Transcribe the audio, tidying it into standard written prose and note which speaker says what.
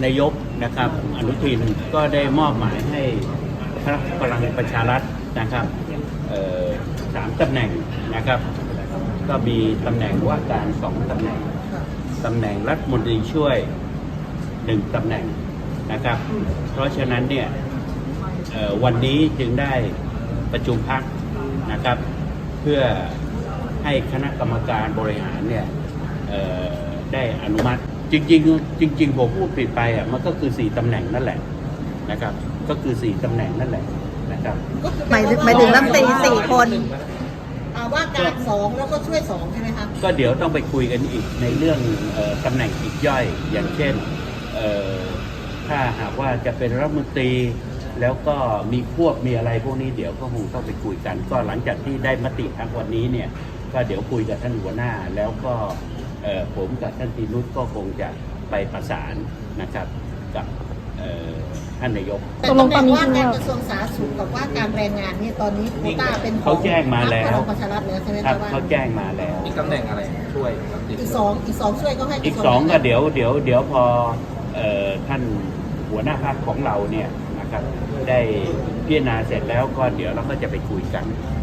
Speaker 1: นายกนะครับอนุทินก็ได้มอบหมายให้พรรคพลังประชารัฐนะครับ3 ตำแหน่งนะครับก็มีตำแหน่งว่าการ2 ตำแหน่งตำแหน่งรัฐมนตรีช่วย1 ตำแหน่งนะครับเพราะฉะนั้นเนี่ยวันนี้จึงได้ประชุมพรรคนะครับเพื่อให้คณะกรรมการบริหารเนี่ยได้อนุมัติจริงผมพูดผิดไปอ่ะมันก็คือ4 ตำแหน่งนั่นแหละนะครับก็คือ4 ตำแหน่งนั่นแหละนะครับ
Speaker 2: หมายถึงรัฐมนตรี4 คน
Speaker 3: ว่าการ2แล้วก็ช่วย2ใช่ไหมคะ
Speaker 1: ก็เดี๋ยวต้องไปคุยกันอีกในเรื่องตำแหน่งอีกย่อยอย่างเช่นถ้าหากว่าจะเป็นรัฐมนตรีแล้วก็มีควบมีอะไรพวกนี้เดี๋ยวก็คงต้องไปคุยกันก็หลังจากที่ได้มติทั้งวันนี้เนี่ยก็เดี๋ยวคุยกับท่านหัวหน้าแล้วก็ผมกับท่านตีนุชก็คงจะไปประสานนะครับกับท่านนายก
Speaker 3: แต่ตำแหน่งว่าการกระทรวงสาธารณสุขกับว่าการแรงงานเนี่ยตอนนี้โควต้าเป็น
Speaker 1: เขาแจ้งมาแล้ว
Speaker 3: ประชารัฐแล้วใช่ไหม
Speaker 1: ครับเขาแจ้งมาแล้ว
Speaker 4: อีกตำแหน่งอะไรช่วย
Speaker 3: อีก2ช่วยก็ให้
Speaker 1: อีก2ก็เดี๋ยวพอท่านหัวหน้าพรรคของเราเนี่ยนะครับได้พิจารณาเสร็จแล้วก็เดี๋ยวเราก็จะไปคุยกัน